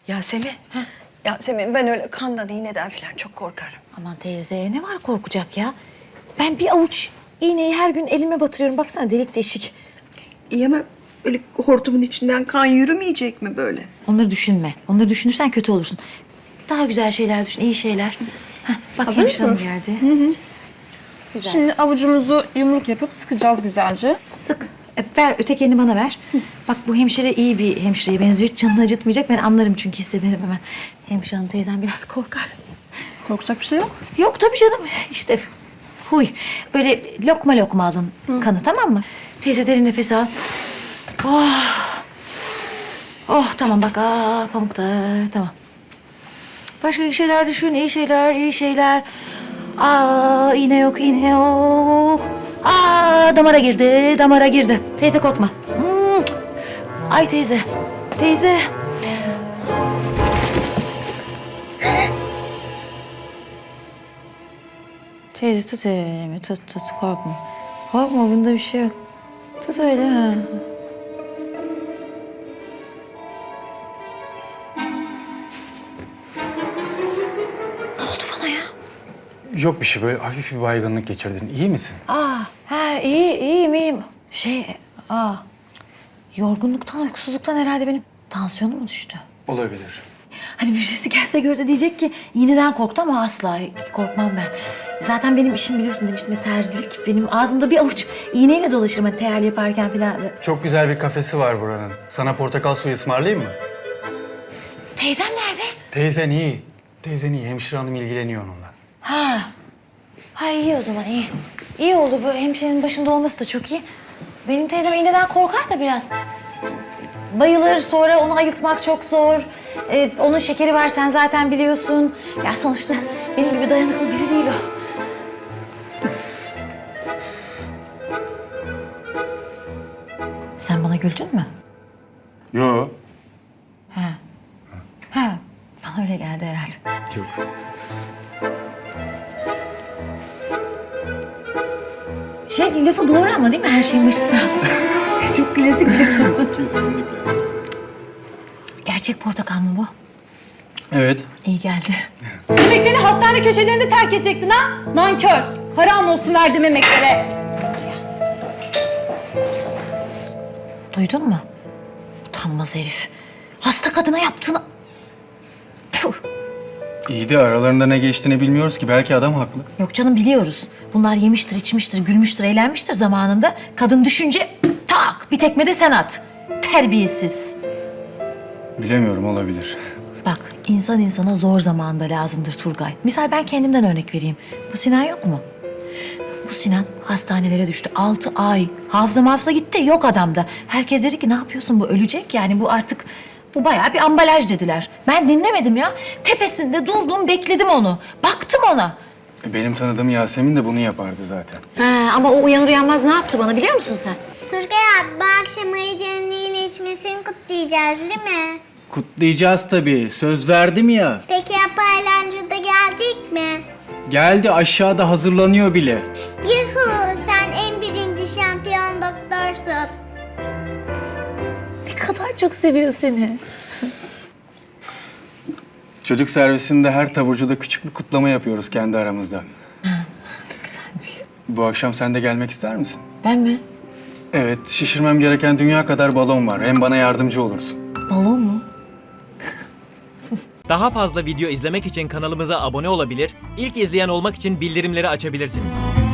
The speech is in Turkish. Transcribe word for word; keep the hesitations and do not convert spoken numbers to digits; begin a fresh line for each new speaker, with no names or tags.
Yasemin. Heh. Yasemin ben öyle kandan iğneden falan çok korkarım.
Aman teyze ne var korkacak ya? Ben bir avuç iğneyi her gün elime batırıyorum. Baksana delik deşik.
İyi ama böyle hortumun içinden kan yürümeyecek mi böyle?
Onları düşünme. Onları düşünürsen kötü olursun. Daha güzel şeyler düşün, iyi şeyler. Heh, bak
Hazır
hemşire hanım
mısınız?
geldi.
Hı hı.
Güzel.
Şimdi avucumuzu yumruk yapıp sıkacağız güzelce.
Sık. E, ver, öteki elini bana ver. Bak bu hemşire iyi bir hemşireye benziyor. Hiç canını acıtmayacak. Ben anlarım çünkü hissederim hemen. Hemşire hanım teyzem biraz korkar.
Korkacak bir şey yok.
Yok tabii canım. İşte huy. Böyle lokma lokma alın kanı, tamam mı? Teyze derin nefes al. Oh. Oh tamam bak. Aa, pamuk da tamam. Başka iyi şeyler düşün. İyi şeyler, iyi şeyler. Aa, iğne yok, iğne yok. Aa, damara girdi, damara girdi. Teyze korkma. Hmm. Ay teyze, teyze. Teyze tut elimi, tut tut korkma. Korkma bunda bir şey yok. Tut öyle ha. Ne oldu bana ya?
Yok bir şey, böyle hafif bir baygınlık geçirdin. İyi misin?
Aa, ha iyi, iyiyim, iyiyim. Şey, aa, yorgunluktan, uykusuzluktan herhalde benim tansiyonum mu düştü?
Olabilir.
Hani birisi gelse görse diyecek ki iğneden korktu ama asla korkmam ben. Zaten benim işim biliyorsun demiştim ya, terzilik. Benim ağzımda bir avuç iğneyle dolaşırım hani teyel yaparken falan.
Çok güzel bir kafesi var buranın. Sana portakal suyu ısmarlayayım mı?
Teyzem nerede?
Teyzen iyi. Teyzen iyi. Hemşire hanım ilgileniyor onunla.
Ha. Ha iyi o zaman iyi. İyi oldu bu hemşirenin başında olması da çok iyi. Benim teyzem iğneden korkar da biraz. Bayılır, sonra onu ayıltmak çok zor. Ee, onun şekeri var, sen zaten biliyorsun. Ya sonuçta benim gibi dayanıklı biri değil o. Sen bana güldün mü?
Yo.
Ha. Ha. Bana öyle geldi herhalde.
Yok.
Şey, lafı doğru ama değil mi? Her şeyin başı sağ ol. Çok klasik bir laf.
Kesinlikle.
Gerçek portakal mı bu?
Evet.
İyi geldi.
Demek beni hastane köşelerinde terk edecektin ha? Nankör. Haram olsun verdim emeklere.
Duydun mu? Utanmaz herif. Hasta kadına yaptığını... Puh.
İyi de aralarında ne geçtiğini bilmiyoruz ki. Belki adam haklı.
Yok canım biliyoruz. Bunlar yemiştir, içmiştir, gülmüştür, eğlenmiştir zamanında. Kadın düşünce tak bir tekme de sen at. Terbiyesiz.
Bilemiyorum, olabilir.
Bak insan insana zor zamanda lazımdır Turgay. Misal ben kendimden örnek vereyim. Bu Sinan yok mu? Bu Sinan hastanelere düştü. Altı ay. Hafıza hafıza gitti. Yok adamda. Herkes dedi ki ne yapıyorsun, bu ölecek yani. Bu artık bu bayağı bir ambalaj dediler. Ben dinlemedim ya. Tepesinde durdum, bekledim onu. Baktım ona.
Benim tanıdığım Yasemin de bunu yapardı zaten.
Ha, ama o uyanır uyanmaz ne yaptı bana biliyor musun sen?
Turgay abi bu akşam Ayıcı'nın iyileşmesini kutlayacağız değil mi?
Kutlayacağız tabii. Söz verdim ya.
Peki ya Paylancı da gelecek mi?
Geldi, aşağıda hazırlanıyor bile.
Yuhu sen en birinci şampiyon doktorsun.
Ne kadar çok seviyor seni.
Çocuk servisinde her taburcuda küçük bir kutlama yapıyoruz kendi aramızda.
Güzelmiş.
Bu akşam sen de gelmek ister misin?
Ben mi?
Evet, şişirmem gereken dünya kadar balon var. Hem bana yardımcı olursun.
Balon mu?
Daha fazla video izlemek için kanalımıza abone olabilir, ilk izleyen olmak için bildirimleri açabilirsiniz.